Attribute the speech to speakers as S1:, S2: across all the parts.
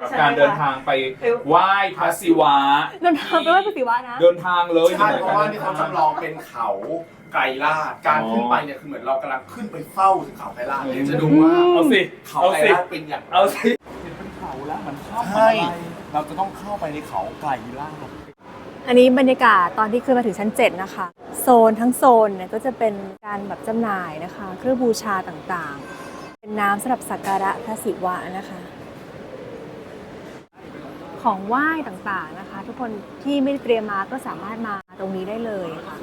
S1: การเดินทางไปไหว้พระศิวะ
S2: เดินทางไปไหว้พระศิวะนะ
S1: เดินทางเลย
S3: ใช่เพราะว่านี่เขาจำลองเป็นเขาไกรลาดการขึ้นไปเนี่ยคือเหมือนเรากำลังขึ้นไปเฝ้าถึงเขาไกรลาดเลยจะดูว่า
S1: เอาสิ
S3: เขาไกรลาดเป็นอย่างไร
S1: เอาสิเป็นเขาแล้วมันชอบ
S3: ใช่เราจะต้องเข้าไปในเขาไกรลาด
S2: อันนี้บรรยากาศตอนที่ขึ้นมาถึงชั้น 7 นะคะโซนทั้งโซนเนี่ยก็จะเป็นการแบบจำหน่ายนะคะเครื่องบูชาต่างๆเป็นน้ำสำหรับสักการะพระศิวะนะคะของไหว้ต่างๆนะคะทุกคนที่ไม่ได้เตรียมมาก็สามารถมาตรงนี้ได้เลยค่ะ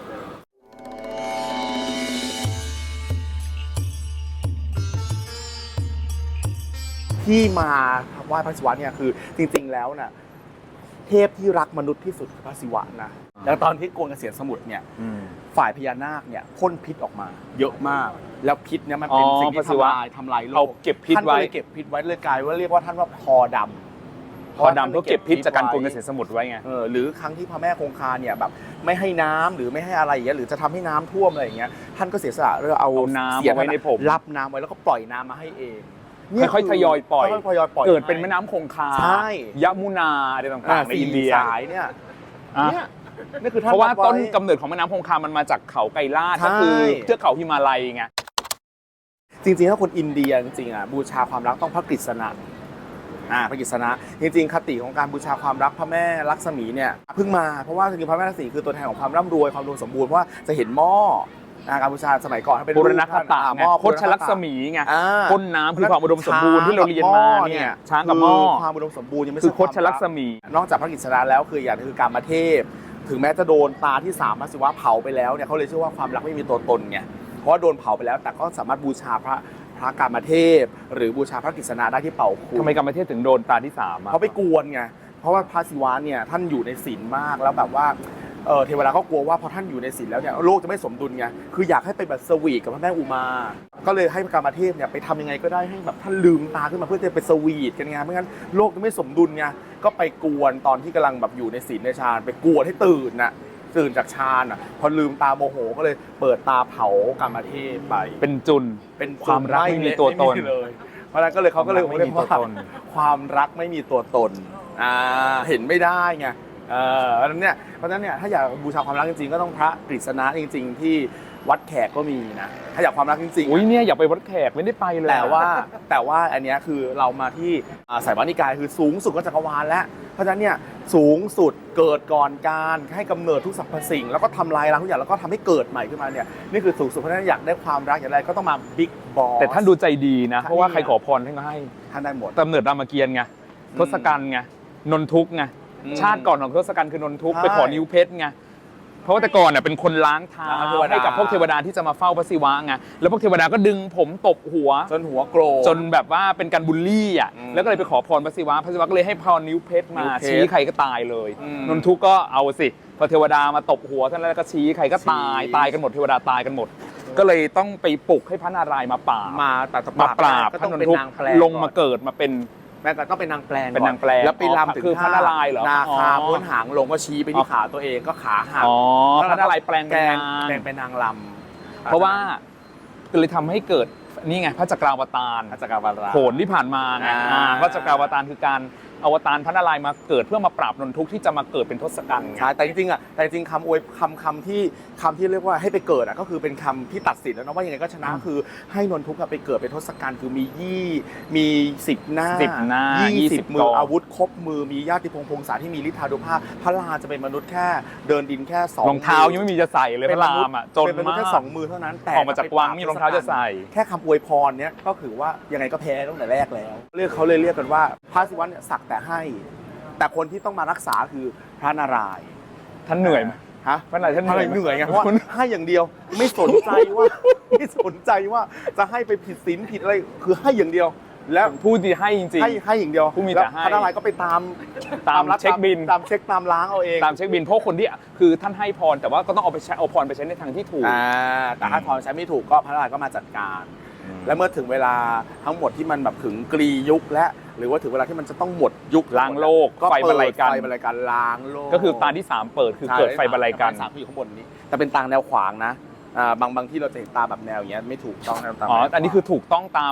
S3: ที่มาไหว้พระศิวะเนี่ยคือจริงๆแล้วน่ะเทพที่รักมนุษย์ที่สุดคือพระศิวะนะแล้วตอนที่โกนเกษียณสมุทรเนี่ยฝ่ายพญานาคเนี่ยพ่นพิษออกมาเยอะมากแล้วพิษเนี่ยมันเป็นสิ่งที่ทำลายโล
S1: เอา
S3: ก
S1: เก็บพิษ
S3: ท่านก็
S1: ไว้
S3: เลยเก็บพิษไว้เลยกลายว่าเรียกว่าท่านว่าพอดำ
S1: พอดำเพื่อเก็บพิษจากการโกงเกษตรสมุทรไว้ไง
S3: หรือครั้งที่พระแม่คงคาเนี่ยแบบไม่ให้น้ำหรือไม่ให้อะไรอย่างเงี้ยหรือจะทำให้น้ำท่วมอะไรอย่างเงี้ยท่านก็เสียสละเรื่องเอา
S1: น้ำ
S3: เสีย
S1: เอาไว้ในผม
S3: รับน้ำไว้แล้วก็ปล่อยน้ำมาให้เอง
S1: ค่อยๆทยอยปล่อย
S3: ค่อยๆทยอยปล่อย
S1: เกิดเป็นแม่น้ำคงคา
S3: ใช่
S1: ยมุนาอะไรต่างๆในอินเดีย
S3: สายเนี่ย
S1: อ่ะ
S3: นี่คือท่าน
S1: เพราะว่า
S3: บไ
S1: ต้นกำเนิดของแม่น้ำคงคามันมาจากเขาไกรลาด
S3: ใช่
S1: ก็คือเทือกเขาหิมาลัยไง
S3: จริงๆถ้าคนอินเดียจริงๆบูชาความรักต้องพระกฤษณะพระกฤษณะจริงๆคติของการบูชาความรักพระแม่ลักษมีเนี่ยเพิ่งมาเพราะว่าจริงๆพระแม่ลักษมีคือตัวแทนของความร่ำรวยความอุดมสมบูรณ์เพราะว่าจะเห็นหม้อการบูชาสมัยก่อนเป็น
S1: บุรณคตะ
S3: ห
S1: ไง
S3: ม้อ
S1: โคชลักษมีไง
S3: อ่า
S1: ก้นน้ำคือความอุดมสมบูรณ์ที่เราเรียนมาเนี่ยช้างกับหม้อ
S3: ความอุดมสมบูรณ์ยังไม่
S1: คื
S3: ใช่
S1: อโคชลักษมี
S3: นอกจากพระกฤษณะแล้วคืออย่างคือการมาเทพถึงแม้จะโดนตาที่3พระศิวะเผาไปแล้วเนี่ยเขาเลยเชื่อว่าความรักไม่มีตัวตนไงเพราะว่าโดนเผาไปแล้วแต่ก็สามารถบูชาพระกามเทพหรือบูชาพระกฤษณะได้ที่เป่าคุ
S1: ทำไมกรรมเทศถึงโดนตาที่3อ่ะ
S3: เขาไปกวนไงเพราะว่าพระศิวะเนี่ยท่านอยู่ในศีลมากแล้วแบบว่าเทวดาก็กลัวว่าพอท่านอยู่ในศีลแล้วเนี่ยโลกจะไม่สมดุลไงคืออยากให้ไปแบบสวีทกับพระแม่อุมา ก็เลยให้พระกามเทพเนี่ยไปทำยังไงก็ได้ให้แบบท่านลืมตาขึ้นมาเพื่อจะไปสวีทกันไงไม่งั้นโลกจะไม่สมดุลไงก็ไปกวนตอนที่กำลังแบบอยู่ในศีลในฌานไปกวนให้ตื่นน่ะตื่นจากฌานอ่ะพอลืมตาโมโหก็เลยเปิดตาเผากามเทพไป
S1: เป็นจุน
S3: เป็น
S1: ความรักไม่มีตัวตน
S3: ไม่มีเลยเพราะฉะนั้นก็เลยเขาก็เลย
S1: ไม่มีตัวตน
S3: ความรักไม่มีตัวตนเห็นไม่ได้ไงเพราะฉะนั้นเนี่ยถ้าอยากบูชาความรักจริงๆก็ต้องพระกฤษณะจริงๆที่วัดแขกก็มีนะถ้าอยากความรักจริงๆ
S1: อุ้ยเนี่ยอยากไปวัดแขกไม่ได้ไปเลย
S3: แต่ว่าอันเนี้ยคือเรามาที่สายวานิกายคือสูงสุดก็จักรวาลแล้วเพราะฉะนั้นเนี่ยสูงสุดเกิดก่อนการให้กำเนิดทุกสรรพสิ่งแล้วก็ทำลายล้างทุกอย่างแล้วก็ทำให้เกิดใหม่ขึ้นมาเนี่ยนี่คือสูงสุดเพราะฉะนั้นอยากได้ความรักอย่างไรก็ต้องมาบิ๊กบอส
S1: แต่ท่านดูใจดีนะ
S3: ท่าน
S1: เพราะว่าใครขอพรท่านก็ให้
S3: ท่านได้หมด
S1: กำเนิดรามเกียรติ์ไงทศกัณฐ์ไงนนทุกข์ไงชาติก่อนของทศกัณฐ์คือนนทุกข์
S3: ใช่
S1: ไปขอนิ้วเพชรไงเพราะว่าแต่ก่อนเน่ยเป็นคนล้างเท้า
S3: ล้างเทวดา
S1: ให้กับพวกเทวดาที่จะมาเฝ้าพระศิวะไงแล้วพวกเทวดาก็ดึงผมตบหัว
S3: จนหัวโกรธ
S1: จนแบบว่าเป็นการบูลลี่อ่ะ
S3: อืม
S1: แล้วก็เลยไปขอพรพระศิวะพระศิวะก็เลยให้พรนิ้วเพชรมา
S3: นิ้วเพชร
S1: ชี้ใครก็ตายเลย
S3: อืม
S1: นนทุกข์ก็เอาสิพอเทวดามาตบหัวท่านแล้วก็ชี้ใครก็ตาย
S3: ชี้
S1: ตายกันหมดเทวดาตายกันหมด ก็เลยต้องไปปลุกให้พระนารายณ์มาปราบ
S3: มาแต่
S1: มาปราบ
S3: ก็
S1: พ
S3: ต้
S1: ระ
S3: อง
S1: นน
S3: เป็น
S1: ทุกข์
S3: นางแปลง
S1: ลงมาเกิดมาเป็น
S3: แม่ก็ต้องเป็นนางแปลง
S1: เป็นนางแปลง
S3: แล้วไปรำถึง
S1: คือพระนารายณ์เหรอ
S3: นาคา
S1: อ๋อ
S3: พ้นหางลงก็ชี้ไปที่ขาตัวเองก็ขาหัก
S1: อ๋อพระนารายณ์แปลงเป็นนาง
S3: แปลงเป็นนางลำ
S1: เพราะว่าก็เลยทำให้เกิดนี่ไงพระจักราวตาร
S3: อาจารย์วารา
S1: โขนที่ผ่านมาไง พระจักราวตารคือการอวตารพระนารายณ์มาเกิดเพื่อมาปราบนนทุกข์ที่จะมาเกิดเป็นทศกัณฐ์ไง
S3: ใช่แต่จริงๆแต่จริงๆคำอวยคำที่เรียกว่าให้ไปเกิดก็คือเป็นคำที่ตัดสินแล้วนะว่ายังไงก็ชนะคือให้นนทุกข์ไปเกิดเป็นทศกัณฐ์คือมี10 หน้า
S1: 10 หน้า
S3: 20 มื
S1: ก
S3: อ
S1: อง
S3: อาวุธครบมือมีญาติพงศาที่มีฤทธานุภาพพระราจะเป็นมนุษย์แค่เดินดินแค่2
S1: รองเท้ายังไม่มีจะใส่เลยพระรามอ่ะจน
S3: เป็นมนุษย์
S1: มา
S3: แค่
S1: ก
S3: 2 มือเท่านั้นแต่
S1: ออกมาจากวังไม่มีรองเท้าจะใส่
S3: แค่คำอวยพรเนี้ยก็คือว่ายังไงก็แพ้ตั้งแต่แรกแล้วเขาเลยเรียกกันว่าพระศิวะเนี่ยสักแต่ให้ แต่คนที่ต้องมารักษาคือพระนารายณ์
S1: ท่านเหนื่อยไหม
S3: ฮะ
S1: พระนารายณ์ท่าน
S3: เห
S1: เหนื่อยไหม
S3: นื่อยไงเพราะว่าให้อย่างเดียวไม่สนใจว่า ไม่สนใจว่าจะให้ไปผิดศีลผิดอะไรคือให้อย่างเดียว แล้ว
S1: ผู้ที่ให้จริง
S3: ให้อย่างเดียว
S1: ผู้มีแต่
S3: แล้ว
S1: ให้
S3: พระนารายณ์ก็ไปตาม
S1: ตาม
S3: รัด
S1: เช็คบิล
S3: ตามเช็คตามล้างเอาเอง
S1: ตามเช็คบินเพราะคนที่คือท่านให้พรแต่ว่าก็ต้องเอาพรไปใช้ในทางที่ถูก
S3: แต่ถ้าพรใช้ไม่ถูกก็พระนารายณ์ก็มาจัดการ และเมื่อถึงเวลาทั้งหมดที่มันแบบถึงกรียุคและหรือว่าถึงเวลาที่มันจะต้องหมดยุค
S1: ล้างโลก
S3: ก็
S1: ไฟบรรลัยกัน
S3: ไฟบรรลัยกันล้างโลก
S1: ก็คือตาที่3เปิดคือเกิดไฟบรรลัยกัน
S3: ใช่สามที่อยู่ข้างบนนี้แต่เป็นตาแนวขวางนะบางที่เราจะเห็นตาแบบแนวอย่างเงี้ยไม่ถูกต้องนะตา
S1: อ๋อ
S3: แนวขวาง
S1: อันนี้คือถูกต้องตาม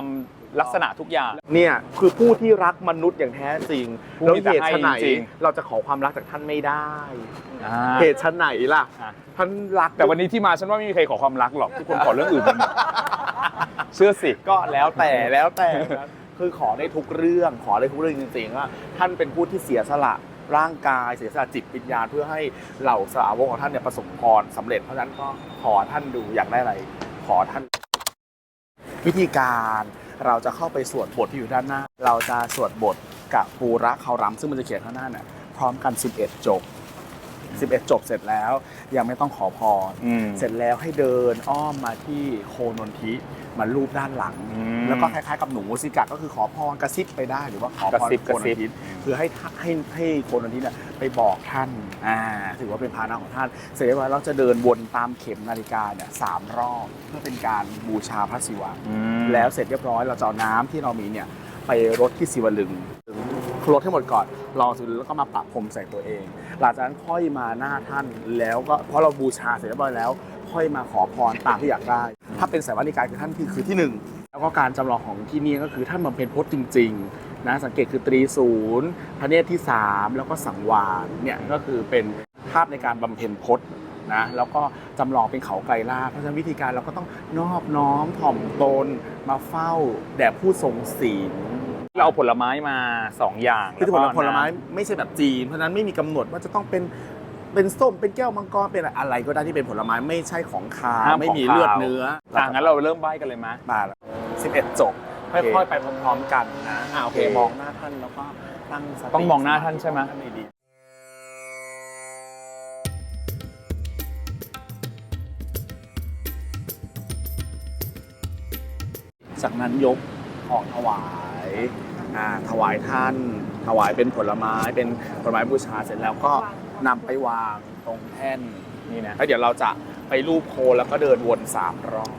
S1: ลักษณะทุกอย่าง
S3: เนี่ยคือผู้ที่รักมนุษย์อย่างแท้จริง
S1: ผู้
S3: แล้ว
S1: ที่
S3: เหตุ
S1: จะให้
S3: ไฉน
S1: จริง
S3: เราจะขอความรักจากท่านไม่ได้
S1: อ่า
S3: เหตุไฉนล่ะ
S1: อ่ะ
S3: ท่านรัก
S1: แต่วันนี้ที่มาฉันว่าไม่มีใครขอความรักหรอกทุกคนขอเรื่องอื่นกันหมดเชื่อสิ
S3: ก็แล้วแต่คือขอได้ทุกเรื่องขอได้ทุกเรื่องจริงๆว่าท่านเป็นผู้ที่เสียสละร่างกายเสียสละจิตวิญญาณเพื่อให้เหล่าสาวกของท่านเนี่ยประสบพรสำเร็จเพราะฉะนั้นก็ขอท่านดูอยากได้อะไรขอท่านวิธีการเราจะเข้าไปสวดบทที่อยู่ด้านหน้า เราจะสวดบทกับปูระเคารำซึ่งมันจะเขียนข้างหน้าเนี่ยพร้อมกัน11 จบ 11 จบเสร็จแล้วยังไม่ต้องขอพร เสร็จแล้วให้เดินอ้อมมาที่โคนนทิมารูปด้านหลัง แล้วก็คล้ายๆกับหนูมูสิกะก็คือขอพรกระซิบไปได้หรือว่าขอพรโคนนทิคือให้โคนนทิเนี่ยไปบอกท่านถือว่าเป็นภาณะของท่านเสร็จแล้วเราจะเดินวนตามเข็มนาฬิกาเนี่ย3 รอบเพื่อเป็นการบูชาพระศิวะแล้วเสร็จเรียบร้อยเราจะเอาน้ำที่เรามีเนี่ยไปรดที่ศิวลึงรดให้หมดก่อนรอศิวลึงแล้วก็มาปะพรมใส่ตัวเองหลังจากนั้นค่อยมาหน้าท่านแล้วก็เพราะเราบูชาเสร็จเรียบร้อยแล้วค่อยมาขอพรตามที่อยากได้ถ้าเป็นสายวานิกายคือท่านคือที่1แล้วก็การจำลองของที่นี่ก็คือท่านบำเพ็ญพจน์จริงๆนะสังเกตคือตรีศูนย์พระเนตรที่3แล้วก็สังวาสเนี่ยก็คือเป็นภาพในการบำเพ็ญพจน์นะแล้วก็จำลองเป็นเขาไกรลาภเพราะฉะนั้นวิธีการเราก็ต้องนอบน้อมถ่อมตนมาเฝ้าแด่ผู้ทรงศีล
S1: เราเอาผลไม้มา2 อย่าง
S3: คือผลไม้ไม่ใช่แบบจีนเพราะฉะนั้นไม่มีกำหนดว่าจะต้องเป็นส้มเป็นแก้วมังกรเป็นอะไรก็ได้ที่เป็นผลไม้ไม่ใช่ของคาวไม่มีเลือดเนื้อ
S1: งั้นเราเริ่มใบ้กันเลยไหม
S3: มา11 จบค่อยๆไปพร้อมๆกันนะโอเคมองหน้าท่านแล้วก็ตั้งสติ
S1: ต้องมองหน้าท่านใช่ไหม
S3: จากนั้นยกของถวายถวายท่านถวายเป็นผลไม้บูชาเสร็จแล้วก็นำไปวางตรงแท่นนี่นะแล้วเดี๋ยวเราจะไปรูปโคแล้วก็เดินวน3 รอบ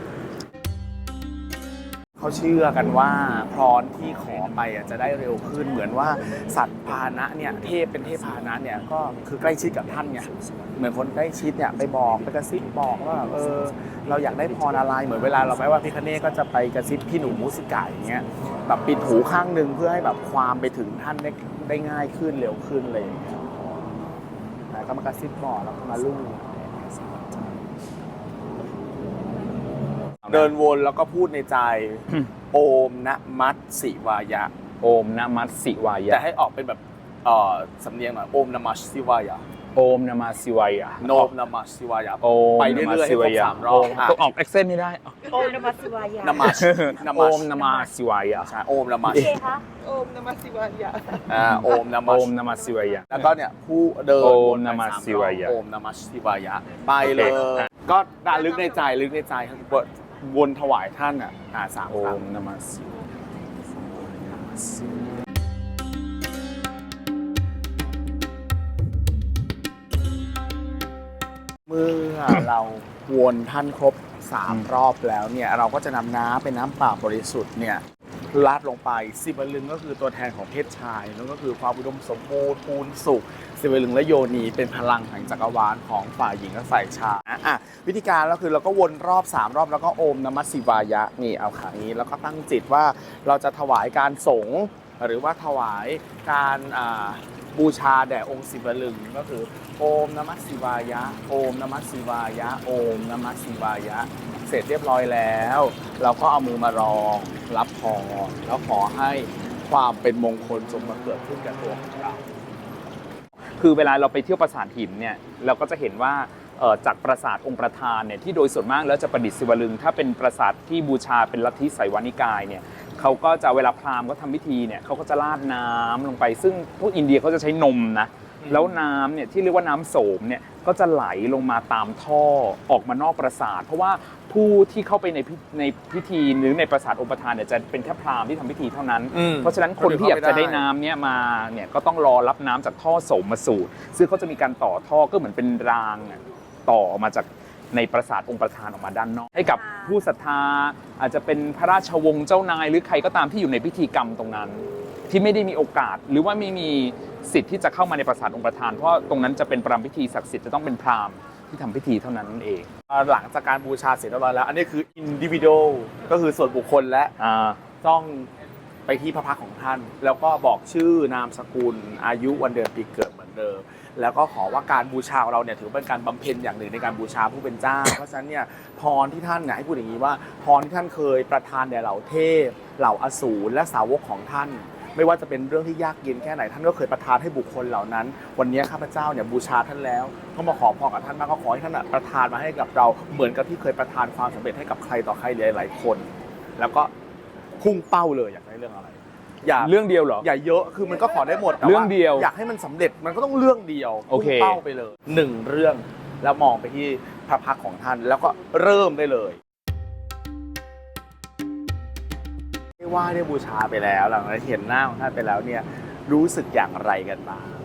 S3: เขาเชื่อกันว่าพรที่ขอไปจะได้เร็วขึ้นเหมือนว่าสัตว์พาหนะเนี่ยเทพเป็นเทพพาหนะเนี่ยก็คือใกล้ชิดกับท่านไงเหมือนคนใกล้ชิดเนี่ยไปบอกไปกระซิบบอกว่าเราอยากได้พรอะไรเหมือนเวลาเราไปว่าพิฆเนศก็จะไปกระซิบพี่หนูมูสิกะอย่างเงี้ยแบบปิดหูข้างนึงเพื่อให้แบบความไปถึงท่านได้ง่ายขึ้นเร็วขึ้นเลยก็มากระซิบบอกแล้วก็มาลู่เดินวนแล้วก็พูดในใจโอมนะมัตสิวายะ
S1: โอมนะมัตสิวายะ
S3: แต่ให้ออกเป็นแบบสำเนียงหน่อยโอมนะมัตสิวายะ
S1: โอมนะมัตสิวายะ
S3: โอมนะมัตสิวายะ
S1: ไป
S3: เรื่อยๆให้ครบ3 รอบ
S1: ต้องออกเอ็กเซนไม่ได้
S2: โอมนมัสสิวายะ
S3: นะมัต
S1: โอมนะมัตสิวายะ
S3: ใช่โอมนะมัต
S2: คะ
S4: โอมนมัสสิวายะ
S3: โอมนะ
S1: มัตสิวายะ
S3: แล้วก็เนี่ยผู้เดิน
S1: โอมนะมัตสิวายะ
S3: โอมนะมัตสิวายะไปเลยก็ด่าลึกในใจวนถวายท่าน3
S1: โอมนะมัสสิ
S3: เมื่อเราวนท่านครบ3 รอบแล้วเนี่ยเราก็จะนำน้ำเป็นน้ำเปล่าบริสุทธิ์เนี่ยลาดลงไปศิวลึงก็คือตัวแทนของเพศชายแล้วก็คือความอุดมสมบูรณ์พูนสุขศิวลึงและโยนีเป็นพลังแห่งจักรวาลของฝ่ายหญิงและฝ่ายชายวิธีการก็คือเราก็วนรอบ3 รอบแล้วก็โอมนมัสสิวายะนี่เอาขานี้แล้วก็ตั้งจิตว่าเราจะถวายการสงฆ์หรือว่าถวายการบูชาแด่องค์ศิวลึงก็คือโอมนมัสสิวายะโอมนมัสสิวายะโอมนมัสสิวายะเสร็จเรียบร้อยแล้วเราก็เอามือมารองรับพรแล้วขอให้ความเป็นมงคลจงมาเกิดขึ้นกับตัวของเรา
S1: คือเวลาเราไปเที่ยวปราสาทหินเนี่ยเราก็จะเห็นว่าจากปราสาทองค์ประธานเนี่ยที่โดยส่วนมากแล้วจะประดิษฐ์ศิวลึงถ้าเป็นปราสาทที่บูชาเป็นลัทธิไสยวานิกายเนี่ยเขาก็จะเวลาพราหมณ์ก็ทำพิธีเนี่ยเขาก็จะราดน้ำลงไปซึ่งพวกอินเดียเขาจะใช้นมนะแล้วน้ำเนี่ยที่เรียกว่าน้ำโสมเนี่ยก็จะไหลลงมาตามท่อออกมานอกปราสาทเพราะว่าผู้ที่เข้าไปในพิธีหรือในปราสาทองค์ประธานเนี่ยจะเป็นแค่พราหมณ์ที่ทำพิธีเท่านั้นเพราะฉะนั้นคนที่อยากจะได้น้ำเนี่ยมาเนี่ยก็ต้องรอรับน้ำจากท่อโสมมาสูดซึ่งเขาจะมีการต่อท่อก็เหมือนเป็นรางต่อออกมาจากในปราสาทองค์ประธานออกมาด้านนอกให้กับผู้ศรัทธาอาจจะเป็นพระราชวงศ์เจ้านายหรือใครก็ตามที่อยู่ในพิธีกรรมตรงนั้นที่ไม่ได้มีโอกาสหรือว่าไม่มีสิทธิ์ที่จะเข้ามาในปราสาทองค์ประธานเพราะตรงนั้นจะเป็นประรำพิธีศักดิ์สิทธิ์จะต้องเป็นพราหมณ์ที่ทำพิธีเท่านั้นเอง
S3: หลังจากการบูชาเสร็จเรียบร้อยแล้วอันนี้คือ individual ก็คือส่วนบุคคลและจ้องไปที่พระพักตร์ของท่าน แล้วก็บอกชื่อนามสกุลอายุวันเดือนปีเกิดเหมือนเดิมแล้วก็ขอว่าการบูชาของเราเนี่ยถือเป็นการบำเพ็ญอย่างหนึ่งในการบูชาผู้เป็นเจ้า เพราะฉะนั้นเนี่ยพรที่ท่านเนี่ยให้พูดอย่างนี้ว่าพรที่ท่านเคยประทานแด่เหล่าเทพเหล่าอสูรและสาวกของท่าน ไม่ว่าจะเป็นเรื่องที่ยากเย็นแค่ไหนท่านก็เคยประทานให้บุคคลเหล่านั้น วันนี้ข้าพเจ้าเนี่ยบูชาท่านแล้วก็มาขอพรกับท่านมากก็ขอให้ท่านประทานมาให้กับเราเหมือนกับที่เคยประทานความสำเร็จให้กับใครต่อใครหลายๆคน แล้วก็พุ่งเป้าเลยอยากได้เรื่องอะไรอย่า
S1: เรื่องเดียวเหรอ
S3: อย่าเยอะคือมันก็ขอได้หมดแต่ว่า
S1: เรื่องเดียว
S3: อยากให้มันสำเร็จมันก็ต้องเรื่องเดียว
S1: โอ
S3: พุ่
S1: เค
S3: งเป้าไปเลย1เรื่องแล้วมองไปที่พระพักตร์ของท่านแล้วก็เริ่มได้เลยได้ไหว้ได้บูชาไปแล้วหลังจากเห็นหน้าของท่านไปแล้วเนี่ยรู้สึกอย่างไรกันบ้าง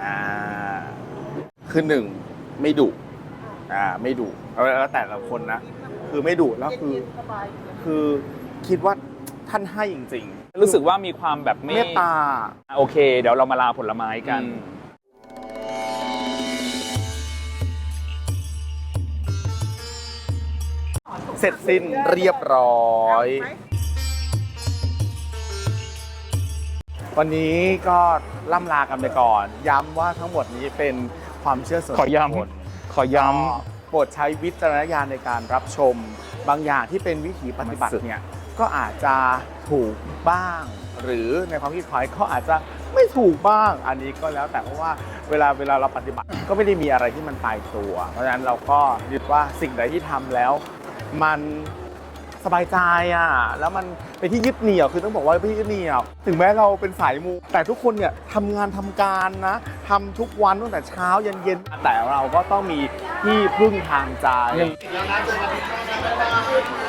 S3: คือ1ไม่ดุไม่ดุแล้วแต่ละคนนะคือไม่ดุแล้วคือคิดว่าท่านให้จริงๆ
S1: รู้สึกว่ามีความแบบ
S3: เมตตา
S1: โอเค เดี๋ยวเรามาลาผลไม้กัน
S3: เสร็จสิ้นเรียบร้อย วันนี้ก็ล่ำลากันไปก่อน ย้ำว่าทั้งหมดนี้เป็นความเชื่อส่วนบุคคล
S1: ขอย้
S3: โปรดใช้วิจารณญาณในการรับชม บางอย่างที่เป็นวิถีปฏิบัติเนี่ยก็อาจจะถูกบ้าง หรือในความคิดของเขาอาจจะไม่ถูกบ้าง อันนี้ก็แล้วแต่เพราะว่าเวลาเราปฏิบัติก็ไม่ได้มีอะไรที่มันตายตัว เพราะฉะนั้นเราก็ยึดว่าสิ่งใดที่ทำแล้วมันสบายใจแล้วมันเป็นที่ยึดเหนี่ยวคือต้องบอกว่าเป็นที่ยึดเหนี่ยวถึงแม้เราเป็นสายมูแต่ทุกคนเนี่ยทำงานทำการนะทำทุกวันตั้งแต่เช้ายันเย็นแต่เราก็ต้องมีที่พึ่งทางใจ
S1: ำ